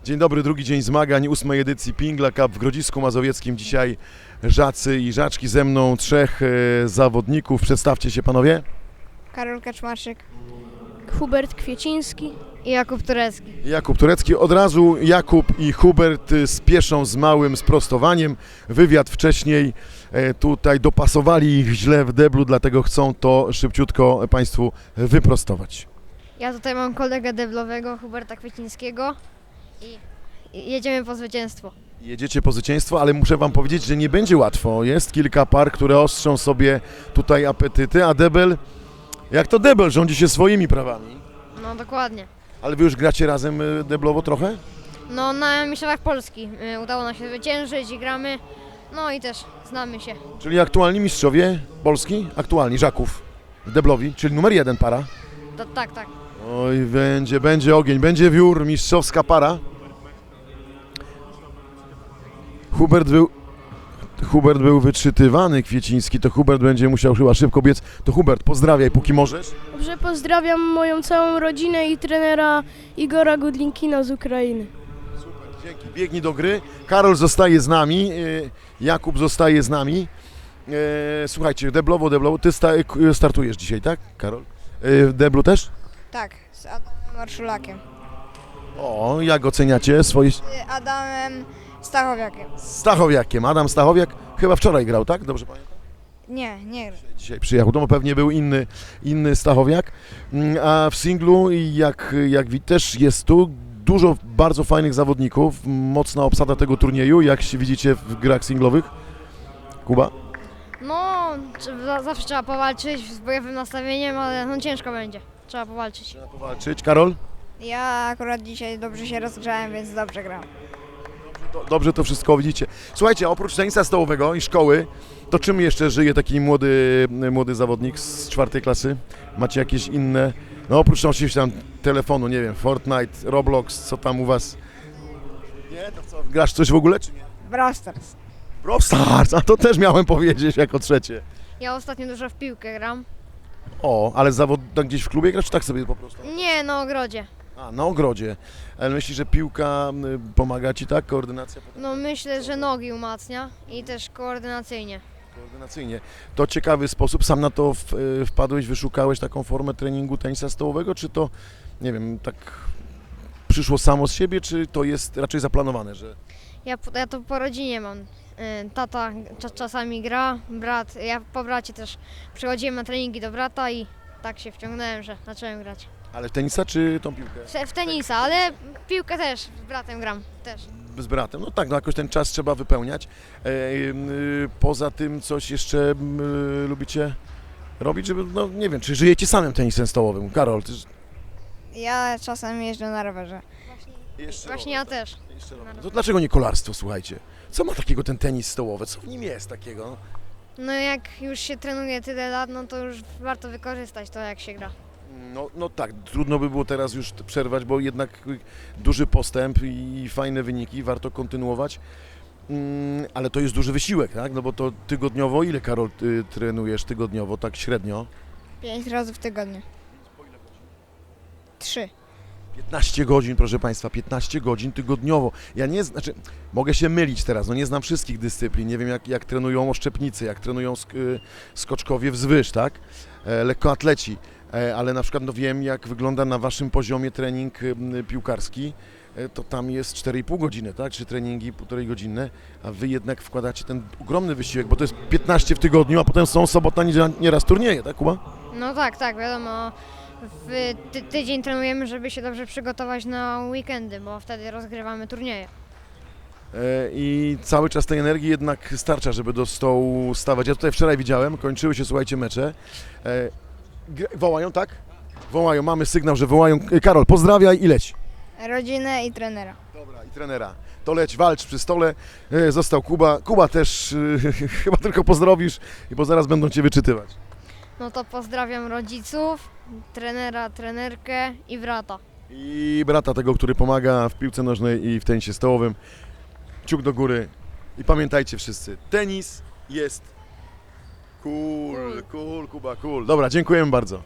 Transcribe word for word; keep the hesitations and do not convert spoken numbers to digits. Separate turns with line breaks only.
Dzień dobry, drugi dzień zmagań, ósmej edycji Pingla Cup w Grodzisku Mazowieckim. Dzisiaj Żacy i Żaczki, ze mną trzech e, zawodników. Przedstawcie się panowie.
Karol Kaczmarczyk
Hubert Kwieciński.
i Jakub Turecki.
Jakub Turecki. Od razu Jakub i Hubert e, spieszą z małym sprostowaniem. Wywiad wcześniej e, tutaj dopasowali ich źle w deblu, dlatego chcą to szybciutko Państwu wyprostować.
Ja tutaj mam kolegę deblowego, Huberta Kwiecińskiego i i jedziemy po zwycięstwo.
Jedziecie po zwycięstwo, ale muszę Wam powiedzieć, że nie będzie łatwo. Jest kilka par, które ostrzą sobie tutaj apetyty, a debel, jak to debel, rządzi się swoimi prawami.
No dokładnie.
Ale Wy już gracie razem y, deblowo trochę?
No na Mistrzostwach Polski y, udało nam się zwyciężyć i gramy. No i też znamy się.
Czyli aktualni mistrzowie Polski, aktualni Żaków, deblowi, czyli numer jeden para.
To, tak, tak.
Oj, będzie, będzie ogień, będzie wiór, mistrzowska para. Hubert był, Hubert był wyczytywany, Kwieciński, to Hubert będzie musiał chyba szybko biec. To Hubert, pozdrawiaj, póki możesz.
Dobrze, pozdrawiam moją całą rodzinę i trenera Igora Gudlinkina z Ukrainy.
Super, dzięki. Biegnij do gry. Karol zostaje z nami, y, Jakub zostaje z nami. Y, Słuchajcie, deblowo, deblowo. Ty sta startujesz dzisiaj, tak, Karol? Y, W deblu też?
Tak, z Adamem Marszulakiem.
O, jak oceniacie swoje...
Z Adamem Stachowiakiem.
Stachowiakiem. Adam Stachowiak chyba wczoraj grał, tak? Dobrze pamiętam?
Nie, nie.
Dzisiaj przyjechał, to pewnie był inny, inny Stachowiak. Mm, A w singlu, jak, jak widać, też jest tu dużo bardzo fajnych zawodników. Mocna obsada tego turnieju, jak się widzicie w grach singlowych. Kuba?
No, trze- zawsze trzeba powalczyć z bojowym nastawieniem, ale no ciężko będzie. Trzeba powalczyć.
Trzeba powalczyć. Karol?
Ja akurat dzisiaj dobrze się rozgrzałem, więc dobrze gram.
Do, dobrze to wszystko widzicie. Słuchajcie, oprócz tenisa stołowego i szkoły, to czym jeszcze żyje taki młody, młody zawodnik z czwartej klasy? Macie jakieś inne, no oprócz oczywiście tam telefonu, nie wiem, Fortnite, Roblox, co tam u was? Nie, to co, grasz coś w ogóle, czy nie?
Brawl Stars.
Brawl Stars, a to też miałem powiedzieć jako trzecie.
Ja ostatnio dużo w piłkę gram.
O, ale zawod tak gdzieś w klubie grasz, czy tak sobie po prostu?
Nie, na ogrodzie.
A, na ogrodzie. Ale myślisz, że piłka y, pomaga ci, tak? Koordynacja?
No myślę, że nogi umacnia i też koordynacyjnie.
Koordynacyjnie. To ciekawy sposób. Sam na to w, y, wpadłeś, wyszukałeś taką formę treningu tenisa stołowego, czy to, nie wiem, tak przyszło samo z siebie, czy to jest raczej zaplanowane, że...
Ja, po- ja to po rodzinie mam. Y, Tata cza- czasami gra, brat, ja po bracie też przychodziłem na treningi do brata i tak się wciągnąłem, że zacząłem grać.
Ale w tenisa, czy tą piłkę?
W, w tenisa, ale piłkę też z bratem gram, też.
Z bratem. No tak, no jakoś ten czas trzeba wypełniać. E, y, poza tym coś jeszcze y, lubicie robić, żeby, no nie wiem, czy żyjecie samym tenisem stołowym? Karol, ty...
Ja czasem jeżdżę na rowerze.
Jeszcze
Właśnie ja też.
Jeszcze rower. To dlaczego nie kolarstwo, słuchajcie? Co ma takiego ten tenis stołowy? Co w nim jest takiego?
No jak już się trenuje tyle lat, no to już warto wykorzystać to, jak się gra.
No, no tak, trudno by było teraz już przerwać, bo jednak duży postęp i fajne wyniki, warto kontynuować. Mm, ale to jest duży wysiłek, tak? No bo to tygodniowo, ile Karol ty trenujesz tygodniowo, tak średnio?
Pięć razy w tygodniu. Trzy.
piętnaście godzin, proszę Państwa, piętnaście godzin tygodniowo. Ja nie, znaczy, mogę się mylić teraz, no nie znam wszystkich dyscyplin, nie wiem jak, jak trenują oszczepnicy, jak trenują sk y, skoczkowie wzwyż, tak? E, lekkoatleci, e, ale na przykład no wiem jak wygląda na Waszym poziomie trening y, piłkarski, e, to tam jest cztery i pół godziny, tak? Czy treningi półtorej godzinne, a Wy jednak wkładacie ten ogromny wysiłek, bo to jest piętnaście w tygodniu, a potem są sobota, niedziela, nieraz turnieje, tak Kuba?
No tak, tak, wiadomo. W ty tydzień trenujemy, żeby się dobrze przygotować na weekendy, bo wtedy rozgrywamy turnieje.
E, I cały czas tej energii jednak starcza, żeby do stołu stawać. Ja tutaj wczoraj widziałem, kończyły się, słuchajcie, mecze. E, gr- Wołają, tak? Wołają, mamy sygnał, że wołają. E, Karol, pozdrawiaj i leć.
Rodzinę i trenera.
Dobra, i trenera. To leć, walcz przy stole. E, Został Kuba. Kuba też e, chyba tylko pozdrowisz, bo zaraz będą Cię wyczytywać.
No to pozdrawiam rodziców, trenera, trenerkę i brata.
I brata tego, który pomaga w piłce nożnej i w tenisie stołowym. Kciuk do góry. I pamiętajcie wszyscy, tenis jest cool, cool, Kuba, cool. Dobra, dziękujemy bardzo.